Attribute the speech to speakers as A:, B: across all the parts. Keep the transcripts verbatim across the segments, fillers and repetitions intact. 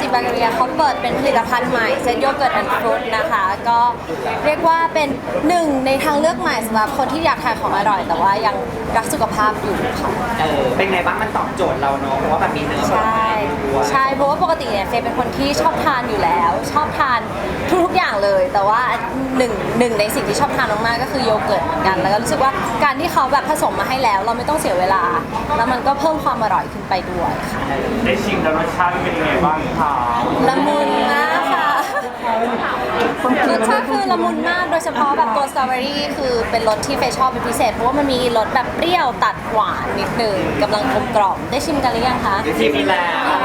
A: จิบาเกเรียเขาเปิดเป็นผลิตภัณฑ์ใหม่เซตโยเกิร์ตแอนด์ฟรุตนะคะก็เรียกว่าเป็นหนึ่งในทางเลือกใหม่สำหรับคนที่อยากทานของอร่อย แต่ว่ายังรักสุขภาพอยู่ค่ะ
B: เออเป็นไงบ้างมันตอบโจทย์เราเนาะเพราะว่าแบบมีเนื้อ
A: ใช่ใช่เพราะว่าปกติเนี่ยเฟย์เป็นคนที่ชอบทานอยู่แล้ว ชอบทานทุกๆอย่างเลย แต่ว่าหนึ่งหนึ่งในสิ่งที่ชอบทานมากๆก็คือโยเกิร์ตเหมือนกันแล้วก็รู้สึกว่าการที่เขาแบบผสมมาให้แล้ว เราไม่ต้องเสียเวลา แล้วมันก็เพิ่มความอร่อยขึ้นไปด้วยค่ะ
C: ได้ชิมแล้วรสชาติเป็นยังไงบ้างคะ
A: ละมุนมากค่ะรสชาติคือละมุนมากโดยเฉพาะแบบตัวสตรอเบอรี่คือเป็นรสที่เฟย์ชอบเป็นพิเศษเพราะว่ามันมีรสแบบเปรี้ยวตัดหวานนิดนึงกำลังกลมกล่อมได้ชิมกันหรือยังคะ
B: ชิมแล้ว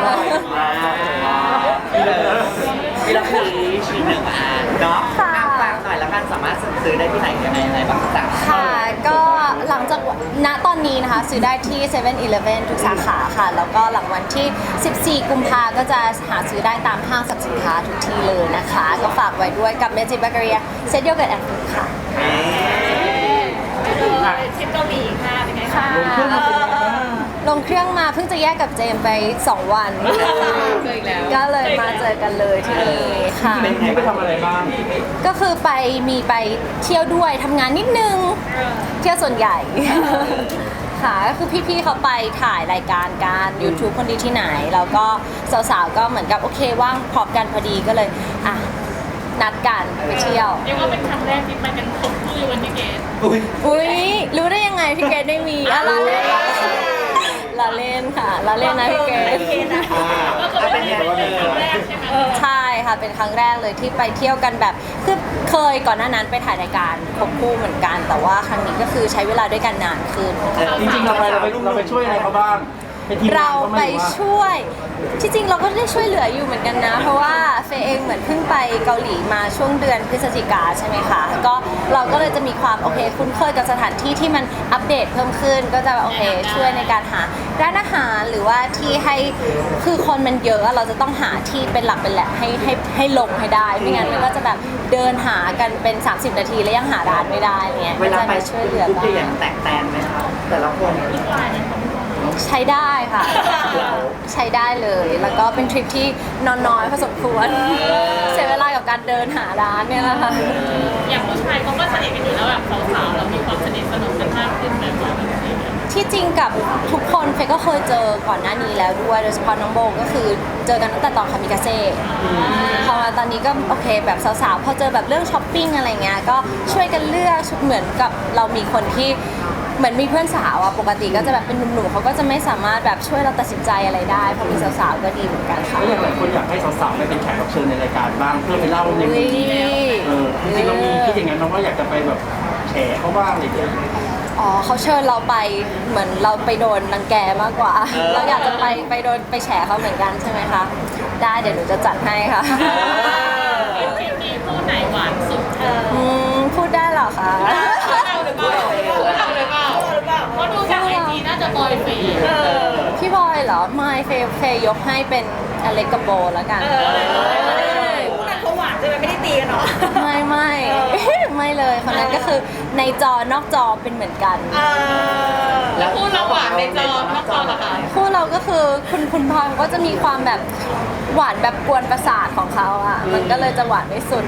B: นี่เลยนี่เราคือชิมหนึ่งอันเนาะฝากหน่อยแล้วกันสามารถซื้อได้ที่ไหนยังไงอะไรบ้างจ๊ะ
A: ค่ะก็หลังจากณตอนนี้นะคะซื้อได้ที่เซเว่นอีเลฟเว่นทุกสาขาค่ะแล้วก็หลังวันที่สิบสี่กุมภาก็จะหาซื้อได้ตามห้างสรรพสินค้าทุกที่เลยนะคะก็ฝากไว้ด้วยกับเมจิเบเกอรี่เซตโยเกิร์ตแอนด์ฟรุตค่ะ
D: ทริปเกาหลีค่ะเป็นไงคะ
A: ลงเครื่องมาเพิ่งจะแยกกับเจมไปสองวันก็เลยมาเจอกันเลยที่นี่ค่ะ
C: เป็นไงไปทำอะไรบ้าง
A: ก็คือไปมีไปเที่ยวด้วยทำงานนิดนึงเที่ยวส่วนใหญ่ค่ะก็คือพี่ๆเขาไปถ่ายรายการการ YouTube คนดีที่ไหนแล้วก็สาวๆก็เหมือนกับโอเคว่างพร้อมกันพอดีก็เลยอ่ะนัดกันไปเที่ยว
D: เรียกว่าเป็นครั้งแรกที่ไปกันครบคู่วันที่เกต
A: อุ้ยรู้ได้ยังไงพี่เกดได้มีอะไรลาเล่นค่ะลาเล่นนะพี่เกด
D: ก็เป็นครั้งแรกใช่ไหม
A: ใช่ค่ะเป็นครั้งแรกเลยที่ไปเที่ยวกันแบบคือเคยก่อนหน้านั้นไปถ่ายรายการครบคู่เหมือนกันแต่ว่าครั้งนี้ก็คือใช้เวลาด้วยกันนานขึ้น
C: จริงๆเราไปเราไปเราไปช่วยอะไรเขาบ้าง
A: เราไปช่วยที่จริงเราก็ได้ช่วยเหลืออยู่เหมือนกันนะเพราะว่าเฟย์เองเหมือนเพิ่งไปเกาหลีมาช่วงเดือนพฤศจิกาใช่ไหมคะก็เราก็เลยจะมีความโอเคคุ้นเคยกับสถานที่ที่มันอัปเดตเพิ่มขึ้นก็จะโอเคช่วยในการหาร้านอาหารหรือว่าที่ให้คือคนมันเยอะเราจะต้องหาที่เป็นหลักเป็นแหล่งให้ให้ให้ลงให้ได้ไม่งั้นมันก็จะแบบเดินหากันเป็นสามสิบนาทีแล้วยังหาร้านไม่ได้เนี่ย
B: เวลาไปช่วยเหลือบ้างแตกแตนไหมคะแต่ละคน
A: ใช้ได้ค่ะใช้ได้เลยแล้วก็เป็นทริปที่นอนน้อยพอสมควรเสียเวลากับการเดินหาร้านเนี่ยแหละค่ะ
D: อย่างผู้ชายเขาก็สนิทกันอยู่แล้วแบบสาวๆเรามีความสนิทสนมกันมากขึ้นแบบว่า
A: ที่จริงกับทุกคนเฟย์ก็เคยเจอก่อนหน้านี้แล้วด้วยโดยเฉพาะน้องโบก็คือเจอกันตั้งแต่ตอนคามิกาเซ่พอมาตอนนี้ก็โอเคแบบสาวๆพอเจอแบบเรื่องช้อปปิ้งอะไรเงี้ยก็ช่วยกันเลือกเหมือนกับเรามีคนที่เหมือนมีเพื่อนสาวอะปกติก็จะแบบเป็นหนุ่มๆเขาก็จะไม่สามารถแบบช่วยเราตัดสินใจอะไรได้พอมีสาวๆก็ดีเหมือนกันค่ะ
C: ก็อย่างหลายคนอยากให้สาวๆไปเป็นแขกรับเชิญในรายการบ้างเพื่อไปเล่าในมุมที่เออจริงๆเรามีคิดอย่างนั้นเราก็อยากจะไปแบบแฉเขาบ้างอะไรอย่างเงี้ย
A: อ๋อเขาเชิญเราไปเหมือนเราไปโดนรังแกมากกว่าเราอยากจะไปไปโดนไปแฉเขาเหมือนกันใช่ไหมคะได้เดี๋ยวหนูจะจัดให้ค่ะ
D: มีคู่ไหนหวานสุด
A: อืมพูดได้เหรอคะ
D: เราหรือเปล่าเราหรือเปล่าเพราะดูจากไอจีน่าจะบอยฟี
A: พี่บอยเหรอไม่เฟย์เฟย์ยกให้เป็นอเล็กกับโบแล้วกัน
D: คู่นั้นเขาหวานใช่ไหมไม่ได้ตีกันเนาะ
A: ไม่ไม่ไม่เลยคนนั้นก็คือในจอนอกจอเป็นเหมือนกัน
D: แล้วคู่เราหวานในจอนอกจอเหรอคะ
A: คู่เราก็คือคุณคุณพลอยก็จะมีความแบบหวานแบบกวนประสาทของเขาอ่ะมันก็เลยจะหวานไม่สุด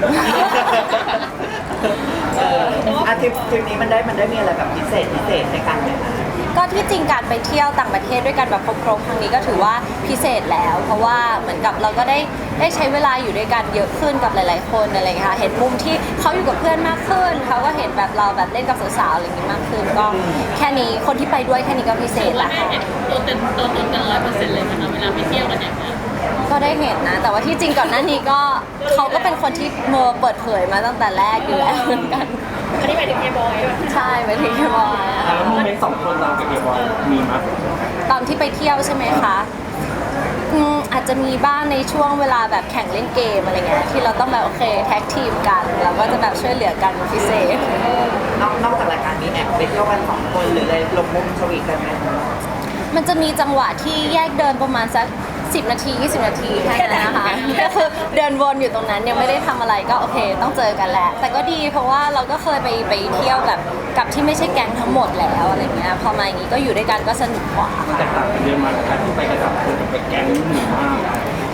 B: อาทิตย์ทริปนี้มันได้มันได้มีอะไรแบบพิเศษพิเศษในการไหมคะ
A: ก็ที่จริงการไปเที่ยวต่างประเทศด้วยกันแบบครบๆครั้งนี้ก็ถือว่าพิเศษแล้วเพราะว่าเหมือนกับเราก็ได้ได้ใช้เวลาอยู่ด้วยกันเยอะขึ้นกับหลายๆคนอะไรอย่างเงี้ยค่ะเห็นมุมที่เขาอยู่กับเพื่อนมากขึ้นเขาก็เห็นแบบเราแบบเล่นกับสาวๆอะไรอย่างงี้มากขึ้นก็แค่นี้คนที่ไปด้วยแค่นี้ก็พิเศษละค่ะ
D: เห็นตัวเต็มตัวตนกันร้อยเปอร์เซ็นต์เลยนะคะเวลาไปเที่ยวกันอย่างเงี้ย
A: ก็ได้เห็นนะแต่ว่าที่จริงก่อนหน้านี้ก็เขาก็เป็นคนที่เมอเปิดเผยมาตั้งแต่แรกอยู่แล้วเหมือนกัน
D: อันนี้หมายถึงเฮียบอย
A: ใช่หมายถึงเฮียบอย
C: แล้วโมเมนต์สองคนเรากับเฮียบอยมีมั้ย
A: ตอนที่ไปเที่ยวใช่ไหมคะอืมอาจจะมีบ้างในช่วงเวลาแบบแข่งเล่นเกมอะไรเงี้ยที่เราต้องแบบโอเคแท็กทีมกันแล้วก็จะแบบช่วยเหลือกันพิเศษ
B: นอกนอกจากรายการนี้แอบไปเที่ยวกันสองคนหรืออะไรลงมุมสวีทกันไหม
A: มันจะมีจังหวะที่แยกเดินประมาณสักสิบนาทียี่สิบนาทีแค่นั้นนะคะก็คือเดินวนอยู่ตรงนั้นยังไม่ได้ทำอะไรก็โอเคต้องเจอกันแหละแต่ก็ดีเพราะว่าเราก็เคยไปไปเที่ยวกับกับที่ไม่ใช่แก๊งทั้งหมดแล้วอะไรเงี้ยพอมาอย่างนี้ก็อยู่ด้วยกันก็สนุกกว่า
C: แตกต่างกันเยอะมากกับการที่ไปกับคนกับไปแก๊งหมู่มาก
A: ที่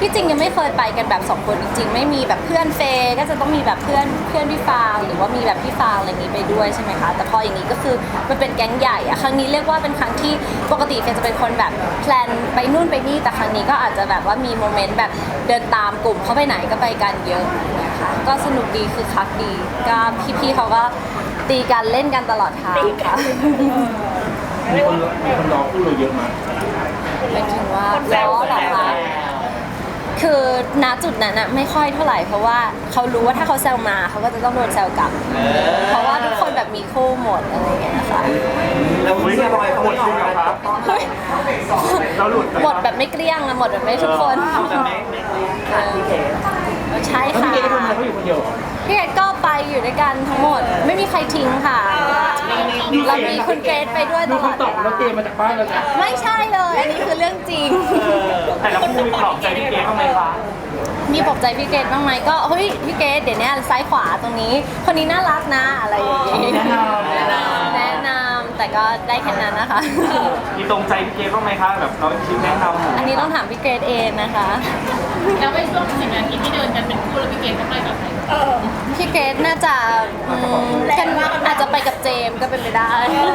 A: ที่จริงยังไม่เคยไปกันแบบสองคนจริงๆไม่มีแบบเพื่อนเฟย์ก็จะต้องมีแบบเพื่อนเพื่อนพี่ฟางหรือว่ามีแบบพี่ฟางอะไรอย่างนี้ไปด้วยใช่ไหมคะแต่พออย่างนี้ก็คือมันเป็นแก๊งใหญ่อะครั้งนี้เรียกว่าเป็นครั้งที่ปกติเฟย์จะเป็นคนแบบแพลนไปนู่นไปนี่แต่ครั้งนี้ก็อาจจะแบบว่ามีโมเมนต์แบบเดินตามกลุ่มเขาไปไหนก็ไปกันเยอะนะคะก็สนุกดีคือคักดีก็พี่ๆเขาก็ตีกันเล่นกันตลอดทางค่ะ
C: มีคนมีคนรอคู่เราเยอะมาก
A: หมายถึงว่าล้อเหรอคะคือณจุดนั้นอะไม่ค่อยเท่าไหร่เพราะว่าเขารู้ว่าถ้าเขาแซวมาเขาก็จะต้องโดนแซวกลับ เพราะว่าทุกคนแบบมีคู่หมดอะไรอย่างเงี้ยค่ะ
B: แล้วเชียร์บอยเขาไม่ออกมาครับ
A: เฮ้ย
C: เราหลุด
A: หมดแบบไม่เกลี้ยงอะหมดแบบไม่ทุกคน
B: แต่ไม่ไม่ไม่ขาดที่เท
A: ใช่
C: เขา
A: ค่ะ
C: พี่เกดทำอะไรเขาอยู่คนเดียวเหรอ
A: พี่เกดก็ไปอยู่ด้วยกันทั้งหมด ไม่มีใครทิ้งค่ะเรามีคุณเกรซไปด้วยต
C: ดู
A: ลอด
C: คำตอบแล้วเตรียมมาจากบ้านแล้วนะ
A: ไม่ใช่เลย อันนี้คือเรื่องจริง
C: แต่ละคู่มีปลอบใจพี่เกดบ้างไหมคะ
A: มีปลอบใจพี่เกดบ้างไหมก็เฮ้ยพี่เกดเดี๋ยวนี้ซ้ายขวาตรงนี้ คนนี้น่ารักนะอะไรอย่างงี้
C: แนะนำ
A: แนะนำแนะนำแต่ก็ได้แค่นั้นนะคะ
C: มีตรงใจพี่เกดบ้างไหมคะแบบเราชี้แนะนำ
A: อันนี้ต้องถามพี่เกดเองนะคะ
D: แล้วไปช่วงสิบนาทีที่เดินกันเป็นคู่แล้วพี่เกณฑ์ก็ไปกับใคร
A: พี่เกดน่าจะอืมกันอาจจะไปกับเจมส์ก็เป็นไปได้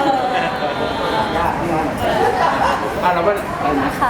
C: อ่ะแล้วมันอะไรนะ
A: ค่ะ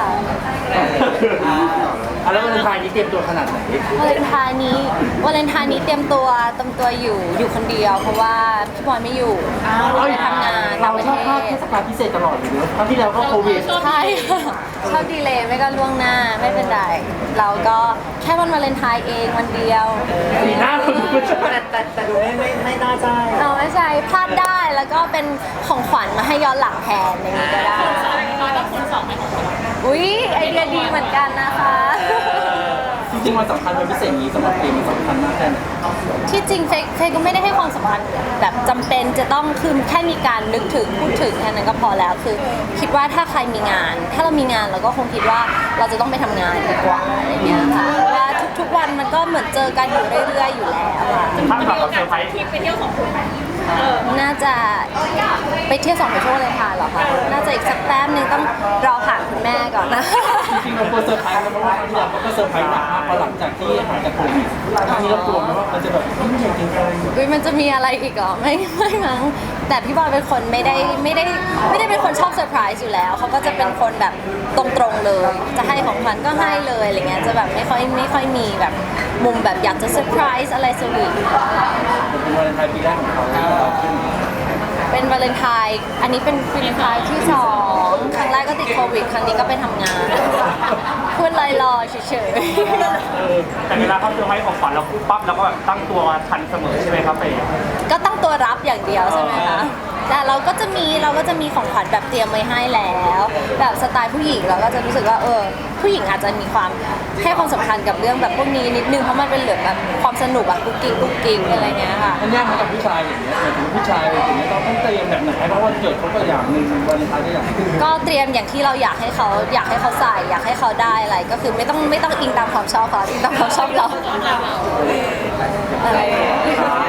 C: อ่ะแล้ววันไทายนี้เตรียมตัวขนาดไหน
A: วาเลนไทน์นี้วาเลนไทน์นี้เตรียมตัวเตรียมตัวอยู่อยู่คนเดียว เพราะว่าพี่บอยไม่อยู่ไปทำงานต่า
C: เรา
A: งประ
C: ชอบ
A: เท
C: พลาด
A: ศ
C: เทศกาลพิเศษตลอดเลยเนอะครั้งที่แล้วก็โควิด
A: ใช่ค่ะชอบดีเลยไม่ก็ล่วงหน้าไม่เป็นไรเราก็แค่วันวาเลนไทน์เองวันเดียว
C: สีหน้าคนดูจะ
B: แต่แต่แต่ดูไม่ไม่ไม่น่าใจ
A: เราไม่ใช่พลาดได้แล้วก็เป็นของขวัญมาให้ย้อนหลังแทนอย่างนี้ก็ได้
D: เราต้องคูณสองไหมของเรา
A: อุ๊ยไอเดียดีเหมือนกันนะคะ
C: จริงๆวันสำคัญวันพิเศษนี้สำหรับเกมมันสำคัญมากแค่ไหน
A: ที่จริงเฟยเฟยก็ไม่ได้ให้ความสำคัญแบบจำเป็นจะต้องคือแค่มีการนึกถึงพูดถึงแค่นั้นก็พอแล้วคือ คิดว่าถ้าใครมีงาน ถ้าเรามีงานเราก็คงคิดว่าเราจะต้องไปทำงานดีกว่าอะไรเงี้ยค่ะเพราะว่าทุกๆวันมันก็เหมือนเจอกันอยู่เรื่อยๆอยู่แล้วอะ
C: ถ้าแบบเราเซอร์ไพรส์
D: ที่ไปเที่ยวสองคนไหม
A: น่าจะไปเที่ยวสองไปช่วงเลยค่ะเหรอคะน่าจะอีกสักแป๊บนึงต้องรอผ่านคุณแม่ก่อนนะ
C: จริงๆเรากลัวเซอร์ไพรส์นะเพราะว่าครั้งที่แล้วก็เซอร์ไพรส์หนักมากพอหลังจากที่หายจากโควิดครั้งนี้เรากลัวไหมว่ามันจะแบบไม่ใช่จริงจัง
A: อุ๊ยมันจะมีอะไรอีกเหรอไม่ไม่มั้งแต่พี่บอยเป็นคนไม่ได้ไม่ได้ไม่ได้เป็นคนชอบเซอร์ไพรส์อยู่แล้วเขาก็จะเป็นคนแบบตรงๆเลย จะให้ของขวัญก็ให้เลยอะไรเงี้ยจะแบบไม่ค่อยไม่ค่อยมีแบบมุมแบบอยากจะเซอร์ไพรส์อะไรสวีท
C: เป็นวันวาเลนไทน์ปีแรกของเขาที่เราขึ้น
A: เป็นวาเลนไทน์อันนี้เป็นวาเลนไทน์ที่สองครั้งแรกก็ติดโควิดครั้งนี้ก็ไปทำงานพูดลอยๆเฉยๆ
C: เออแต่เวลาเขาเซอร์ไพรส์ของขวัญเราปุ๊บปั๊บเราก็แบบตั้งตัวทันเสมอใช่ไหมครับเฟย์
A: ก็ตั้งตัวรับอย่างเดียวใช่ไหมคะแต่เราก็จะมีเราก็จะมีของขวัญแบบเตรียมไว้ให้แล้ว แบบสไตล์ผู้หญิงเราก็จะรู้สึกว่าเออผู้หญิงอาจจะมีความให้ความสำคัญกับเรื่องแบบพวกนี้นิดนึงเพราะมันเป็นเหลืองแบบความสนุกแบบกุ๊กกิ๊กกุ๊กกิ๊กอะไรเงี้ยค่ะ
C: มันยากไหมกับผู้ชายอย่างเงี้ยหมายถึงผู้ชายอย่างเงี้ยเราต้องเตรียมแบบไหนเพราะวันเกิดเขาก็อย่างหนึ่งวันไทน์ก็อย่างหนึ่ง
A: ก็เตรียมอย่างที่เราอยากให้เขาอยากให้เขาใส่อยากให้เขาได้อะไรก็คือไม่ต้องไม่ต้องอิงตามความชอบเขาอิงตามความชอบเราอะไรอย่างเงี้ย